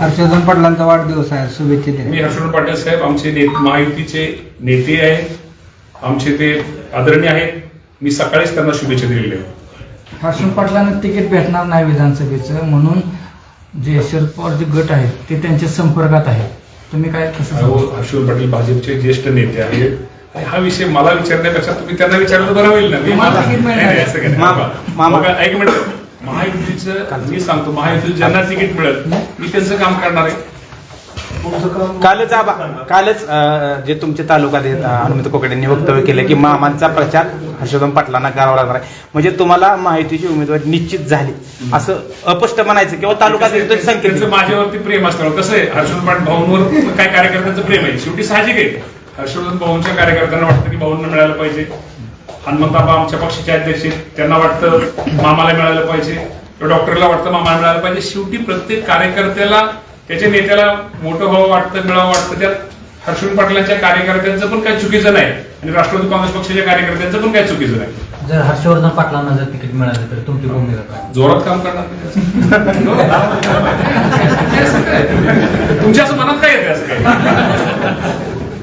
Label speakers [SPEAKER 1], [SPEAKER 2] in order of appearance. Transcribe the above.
[SPEAKER 1] हर्षवर्धन पाटलांचा वाढदिवस आहे, शुभेच्छा दिल्या.
[SPEAKER 2] मी हर्षवर्धन पाटील साहेब आमचे महायुतीचे नेते आहेत, आमचे ते आदरणीय आहेत. मी सकाळीच त्यांना शुभेच्छा दिलेल्या आहेत.
[SPEAKER 3] हर्षवर्धन पाटलांना तिकीट भेटणार नाही विधानसभेचं, म्हणून जे शरद पवार जे गट आहेत ते त्यांच्या संपर्कात आहेत. तुम्ही काय कसं
[SPEAKER 2] हर्षवर्धन पाटील भाजपचे ज्येष्ठ नेते आहेत. हा विषय मला विचारण्यापेक्षा तुम्ही त्यांना विचारलं तर बरं होईल ना. एक मिनिट, महायुतीचं मी सांगतो, महायुतीचं ज्यांना तिकीट मिळत मी त्यांचं काम करणार आहे.
[SPEAKER 4] कालच जे तुमचे तालुक्यात हनुमंत कोकड यांनी वक्तव्य केलं की मामांचा प्रचार हर्षवर्धन पाटलांना करावा लागणार आहे, म्हणजे तुम्हाला महायुतीची उमेदवारी निश्चित झाली असं अपष्ट म्हणायचं किंवा तालुक्यात संकेत.
[SPEAKER 2] माझ्यावरती प्रेम असल्यावर कसं आहे, हर्षवर्धन पाटील भाऊंवर काय कार्यकर्त्यांचं प्रेम आहे, शेवटी साहजिक आहे. हर्षवर्धन भाऊंच्या कार्यकर्त्यांना वाटतं की भाऊंना मिळायला पाहिजे. हनुमंताबा आमच्या पक्षाचे अध्यक्ष आहेत, त्यांना वाटतं मामाला मिळालं पाहिजे, डॉक्टरला वाटतं मामाला मिळालं पाहिजे. शेवटी प्रत्येक कार्यकर्त्याला त्याच्या नेत्याला मोठं व्हावं वाटतं, मिळावं वाटतं. त्यात हर्षवर्धन पाटलांच्या कार्यकर्त्यांचं पण काही चुकीचं नाही आणि राष्ट्रवादी काँग्रेस पक्षाच्या कार्यकर्त्यांचं पण काही चुकीचं नाही.
[SPEAKER 5] जर हर्षवर्धन पाटलांना जर तिकीट मिळालं तर तुमची भूमिका काय?
[SPEAKER 2] जोरात काम करणार. तुमच्या असं मनात काय येते असं काय?